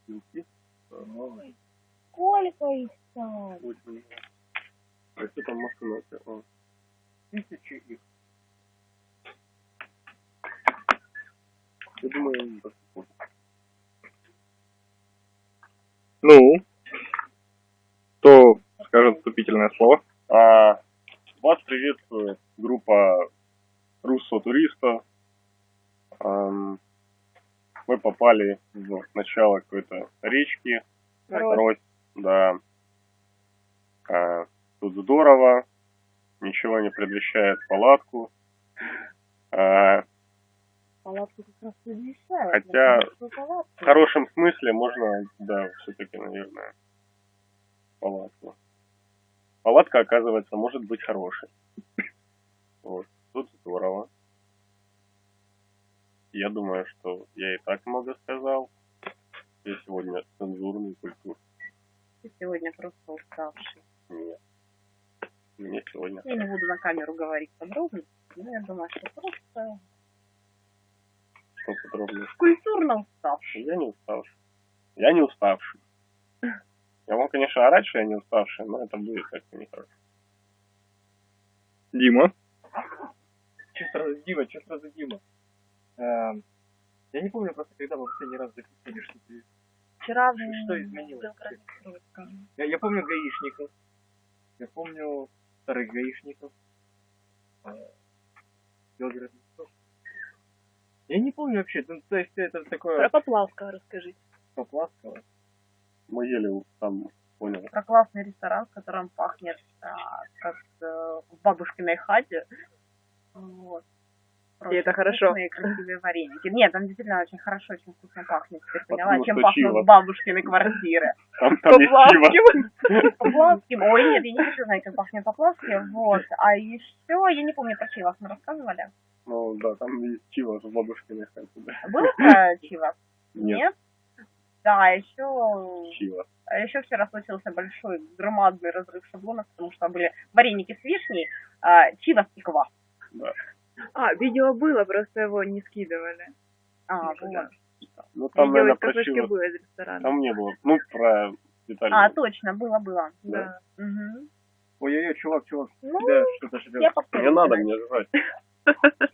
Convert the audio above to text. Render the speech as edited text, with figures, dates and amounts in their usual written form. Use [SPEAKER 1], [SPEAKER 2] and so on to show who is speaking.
[SPEAKER 1] Белки.
[SPEAKER 2] Ой, сколько их там?
[SPEAKER 1] Очень много. А что там машина? О, 1000 их. Я думаю, они доступны.
[SPEAKER 3] Ну, кто скажет вступительное слово?
[SPEAKER 1] Вас приветствует группа русского туриста. Мы попали в начало какой-то речки. Рось. Да. Тут здорово. Ничего не предвещает палатку.
[SPEAKER 2] Палатку как раз предвещают.
[SPEAKER 1] Хотя в хорошем смысле можно, да, все-таки, наверное, палатку. Палатка, оказывается, может быть хорошей. Вот. Тут здорово. Я думаю, что я и так много сказал. Я сегодня цензурный культур.
[SPEAKER 2] Ты сегодня просто уставший.
[SPEAKER 1] Нет. Мне сегодня...
[SPEAKER 2] Я не буду на камеру говорить подробно, но я думаю, что просто...
[SPEAKER 1] Что подробно?
[SPEAKER 2] Культурно уставший.
[SPEAKER 1] Я не уставший. Я не уставший. Я могу, конечно, орать, что я не уставший, но это будет как-то нехорошо.
[SPEAKER 3] Дима.
[SPEAKER 4] Что сразу Дима? Я не помню просто, когда мы в последний раз записали, что ты...
[SPEAKER 2] Вчера
[SPEAKER 4] Что изменилось? Я помню гаишников. Я помню старых гаишников. Белгород-Москва. Я не помню вообще, ну, то есть это такое...
[SPEAKER 2] Про Поплавского расскажите.
[SPEAKER 4] Поплавского.
[SPEAKER 1] Мы ели там, понял.
[SPEAKER 2] Про классный ресторан, в котором пахнет как в бабушкиной хате. Вот.
[SPEAKER 5] И это хорошо.
[SPEAKER 2] Вкусные, красивые вареники. Нет, там действительно очень хорошо, очень вкусно пахнет. Теперь поняла,
[SPEAKER 1] Потому
[SPEAKER 2] чем
[SPEAKER 1] что
[SPEAKER 2] пахнут
[SPEAKER 1] чиво.
[SPEAKER 2] бабушкины квартиры.
[SPEAKER 1] Там есть чиво.
[SPEAKER 2] Поплавским. Ой, нет, я не хочу знать, как пахнет Поплавским. Вот. А еще, я не помню, про Чивас мы рассказывали.
[SPEAKER 1] Ну да, там есть чиво с бабушкиной хаты, да.
[SPEAKER 2] Было про Чивас?
[SPEAKER 1] Нет.
[SPEAKER 2] Да, еще...
[SPEAKER 1] Чиво.
[SPEAKER 2] А еще вчера случился большой громадный разрыв шаблонов, потому что были вареники с вишней, чивас и квас.
[SPEAKER 1] Да.
[SPEAKER 5] Видео было, просто его не скидывали.
[SPEAKER 2] Вот.
[SPEAKER 1] Ну там,
[SPEAKER 5] Видео
[SPEAKER 1] наверное,
[SPEAKER 5] из
[SPEAKER 1] про
[SPEAKER 5] кафешки
[SPEAKER 1] чиво.
[SPEAKER 5] было из ресторана.
[SPEAKER 1] Там не было. Ну, про Виталия.
[SPEAKER 2] Точно, было.
[SPEAKER 5] Да.
[SPEAKER 2] Угу.
[SPEAKER 4] Ой-ой-ой, чувак,
[SPEAKER 2] Ну,
[SPEAKER 4] тебя что-то ждет.
[SPEAKER 2] я повторю.
[SPEAKER 1] Не надо мне жрать.